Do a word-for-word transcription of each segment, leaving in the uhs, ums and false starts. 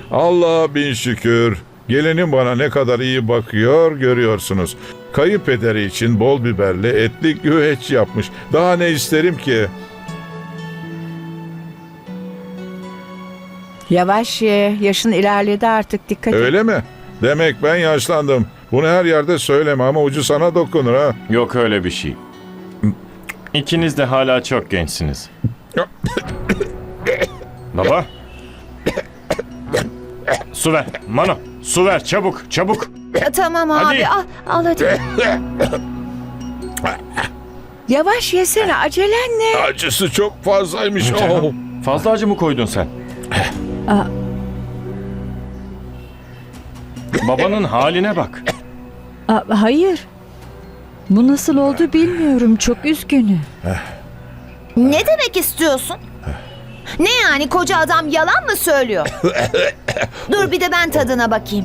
Allah'a bin şükür. Gelinim bana ne kadar iyi bakıyor görüyorsunuz. Kayınpederi için bol biberli etli güveç yapmış. Daha ne isterim ki? Yavaş ye. Yaşın ilerledi artık, dikkat et. Öyle mi? Demek ben yaşlandım. Bunu her yerde söyleme ama ucu sana dokunur ha. Yok öyle bir şey. İkiniz de hala çok gençsiniz. Baba. Su ver. Mano, su ver çabuk, çabuk. Ya, tamam abi, Hadi. al, al hadi. Yavaş yesene, acelen ne? Acısı çok fazlaymış. Oh. Fazla acı mı koydun sen? Aa. Babanın haline bak. Aa, hayır. Bu nasıl oldu bilmiyorum. Çok üzgünüm. Ne demek istiyorsun? Ne yani, koca adam yalan mı söylüyor? Dur bir de ben tadına bakayım.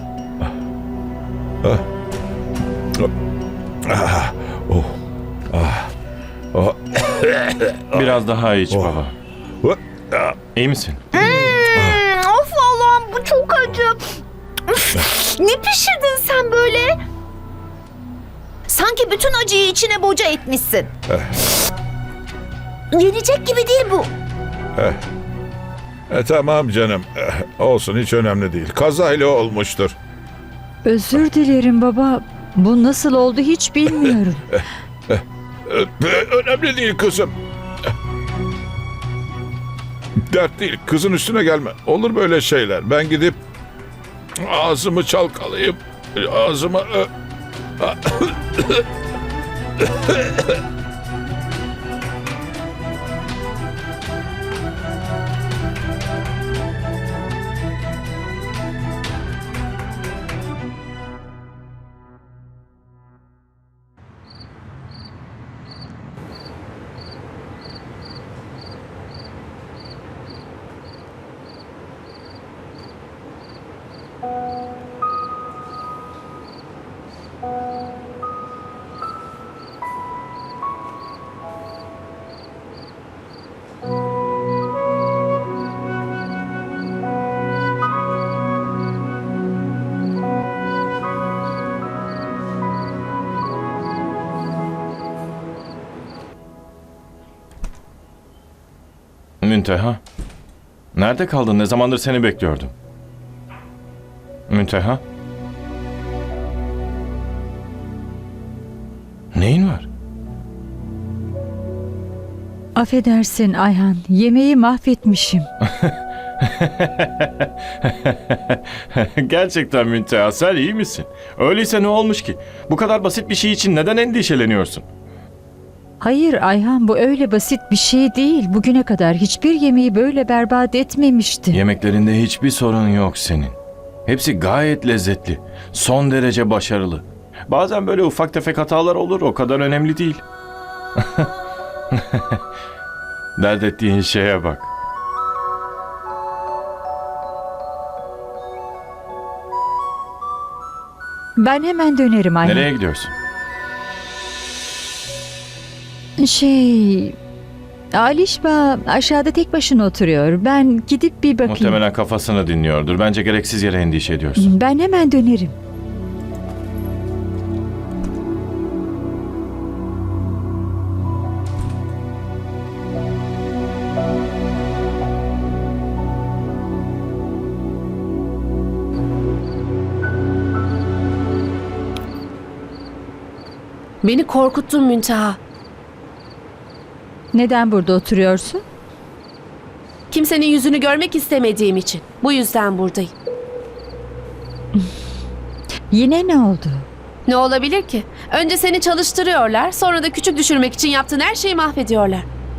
Biraz daha iç baba. İyi misin? Hmm, of Allah'ım, bu çok acı. Üf, ne pişirdin sen böyle? Sanki bütün acıyı içine boca etmişsin. Yenecek gibi değil bu. E, tamam canım. Eh, olsun, hiç önemli değil. Kazayla olmuştur. Özür dilerim baba. Bu nasıl oldu hiç bilmiyorum. Eh, önemli değil kızım. Dert değil. Kızın üstüne gelme. Olur böyle şeyler. Ben gidip ağzımı çalkalayıp ağzıma... Münteha. Nerede kaldın? Ne zamandır seni bekliyordum. Münteha. Neyin var? Affedersin Ayhan. Yemeği mahvetmişim. Gerçekten Münteha, sen iyi misin? Öyleyse ne olmuş ki? Bu kadar basit bir şey için neden endişeleniyorsun? Hayır Ayhan, bu öyle basit bir şey değil. Bugüne kadar hiçbir yemeği böyle berbat etmemişti. Yemeklerinde hiçbir sorun yok senin. Hepsi gayet lezzetli. Son derece başarılı. Bazen böyle ufak tefek hatalar olur, o kadar önemli değil. Dert ettiğin şeye bak. Ben hemen dönerim Ayhan. Nereye gidiyorsun? Şey... Alişba aşağıda tek başına oturuyor. Ben gidip bir bakayım. Muhtemelen kafasını dinliyordur. Bence gereksiz yere endişe ediyorsun. Ben hemen dönerim. Beni korkuttun Münteha. Neden burada oturuyorsun? Kimsenin yüzünü görmek istemediğim için. Bu yüzden buradayım. Yine ne oldu? Ne olabilir ki? Önce seni çalıştırıyorlar, sonra da küçük düşürmek için yaptığın her şeyi mahvediyorlar.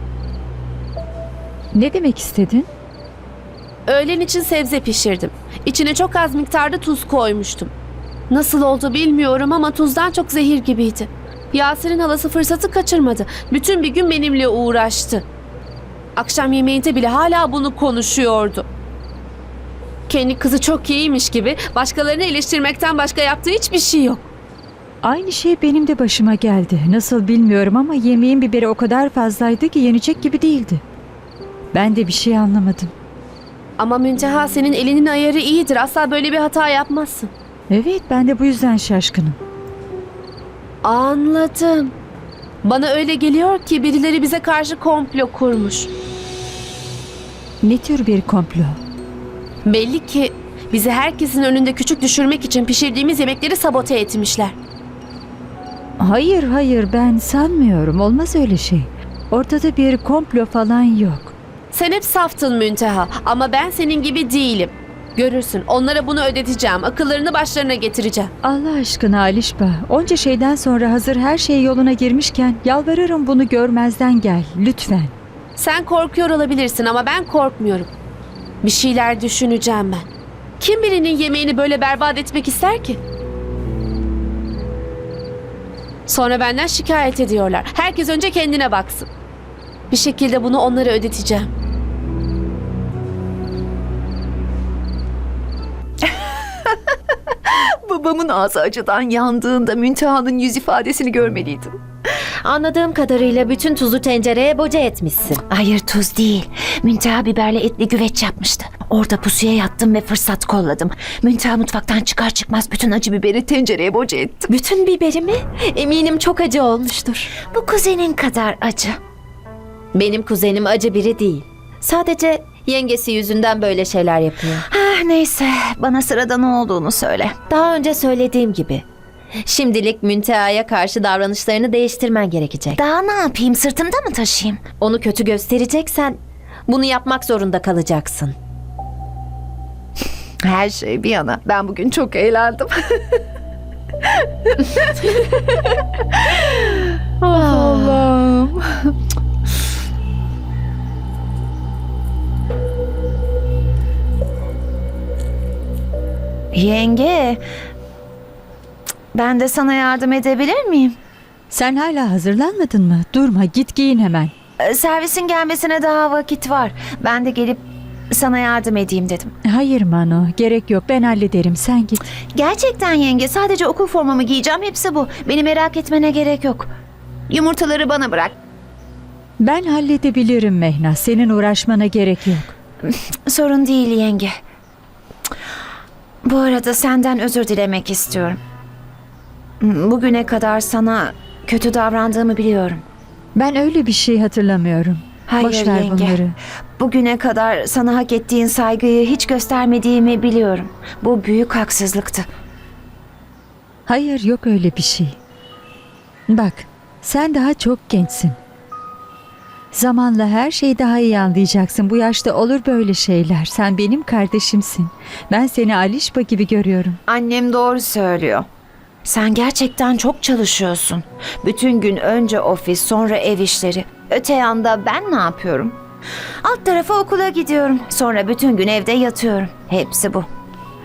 Ne demek istedin? Öğlen için sebze pişirdim. İçine çok az miktarda tuz koymuştum. Nasıl oldu bilmiyorum ama tuzdan çok zehir gibiydi. Yasir'in halası fırsatı kaçırmadı. Bütün bir gün benimle uğraştı. Akşam yemeğinde bile hala bunu konuşuyordu. Kendi kızı çok iyiymiş gibi başkalarını eleştirmekten başka yaptığı hiçbir şey yok. Aynı şey benim de başıma geldi. Nasıl bilmiyorum ama yemeğin biberi o kadar fazlaydı ki yenecek gibi değildi. Ben de bir şey anlamadım. Ama Münteha, senin elinin ayarı iyidir. Asla böyle bir hata yapmazsın. Evet, ben de bu yüzden şaşkınım. Anladım. Bana öyle geliyor ki birileri bize karşı komplo kurmuş. Ne tür bir komplo? Belli ki bizi herkesin önünde küçük düşürmek için pişirdiğimiz yemekleri sabote etmişler. Hayır, hayır, ben sanmıyorum. Olmaz öyle şey. Ortada bir komplo falan yok. Sen hep saftın Münteha ama ben senin gibi değilim. Görürsün, onlara bunu ödeteceğim. Akıllarını başlarına getireceğim. Allah aşkına Alişba, onca şeyden sonra hazır her şey yoluna girmişken yalvarırım bunu görmezden gel, lütfen. Sen korkuyor olabilirsin ama ben korkmuyorum. Bir şeyler düşüneceğim ben. Kim birinin yemeğini böyle berbat etmek ister ki? Sonra benden şikayet ediyorlar. Herkes önce kendine baksın. Bir şekilde bunu onlara ödeteceğim. Babamın ağzı acıdan yandığında Münteha'nın yüz ifadesini görmeliydim. Anladığım kadarıyla bütün tuzu tencereye boca etmişsin. Hayır, tuz değil. Münteha biberle etli güveç yapmıştı. Orada pusuya yattım ve fırsat kolladım. Münteha mutfaktan çıkar çıkmaz bütün acı biberi tencereye boca ettim. Bütün biberi mi? Eminim çok acı olmuştur. Bu kuzenin kadar acı. Benim kuzenim acı biri değil. Sadece yengesi yüzünden böyle şeyler yapıyor. Ah, neyse, bana sırada ne olduğunu söyle. Daha önce söylediğim gibi. Şimdilik Münteha'ya karşı davranışlarını değiştirmen gerekecek. Daha ne yapayım, sırtımda mı taşıyayım? Onu kötü göstereceksen bunu yapmak zorunda kalacaksın. Her şey bir yana. Ben bugün çok eğlendim. Allah'ım. Yenge, ben de sana yardım edebilir miyim? Sen hala hazırlanmadın mı? Durma, git giyin hemen. Ee, Servisin gelmesine daha vakit var. Ben de gelip sana yardım edeyim dedim. Hayır Mano, gerek yok, ben hallederim, sen git. Gerçekten yenge, sadece okul formamı giyeceğim, hepsi bu. Beni merak etmene gerek yok. Yumurtaları bana bırak. Ben halledebilirim Mehna, senin uğraşmana gerek yok. Sorun değil yenge. Bu arada senden özür dilemek istiyorum. Bugüne kadar sana kötü davrandığımı biliyorum. Ben öyle bir şey hatırlamıyorum. Hayır Boş ver yenge. bunları. Bugüne kadar sana hak ettiğin saygıyı hiç göstermediğimi biliyorum. Bu büyük haksızlıktı. Hayır, yok öyle bir şey. Bak, sen daha çok gençsin. Zamanla her şeyi daha iyi anlayacaksın. Bu yaşta olur böyle şeyler. Sen benim kardeşimsin. Ben seni Alişba gibi görüyorum. Annem doğru söylüyor. Sen gerçekten çok çalışıyorsun. Bütün gün önce ofis, sonra ev işleri. Öte yanda ben ne yapıyorum? Alt tarafa okula gidiyorum. Sonra bütün gün evde yatıyorum. Hepsi bu.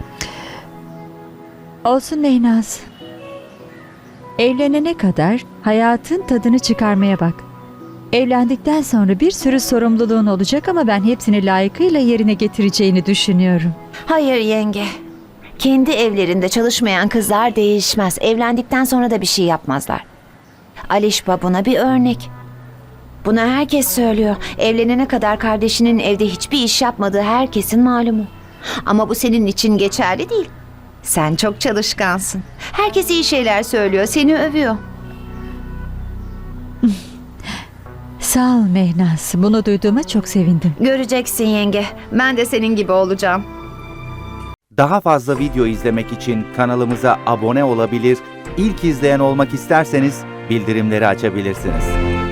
Olsun Neynaz. Evlenene kadar hayatın tadını çıkarmaya bak. Evlendikten sonra bir sürü sorumluluğun olacak ama ben hepsini layıkıyla yerine getireceğini düşünüyorum. Hayır yenge. Kendi evlerinde çalışmayan kızlar değişmez. Evlendikten sonra da bir şey yapmazlar. Alişba buna bir örnek. Bunu herkes söylüyor. Evlenene kadar kardeşinin evde hiçbir iş yapmadığı herkesin malumu. Ama bu senin için geçerli değil. Sen çok çalışkansın. Herkes iyi şeyler söylüyor, seni övüyor. Sağ ol Mehnaz. Bunu duyduğuma çok sevindim. Göreceksin yenge. Ben de senin gibi olacağım. Daha fazla video izlemek için kanalımıza abone olabilir, ilk izleyen olmak isterseniz bildirimleri açabilirsiniz.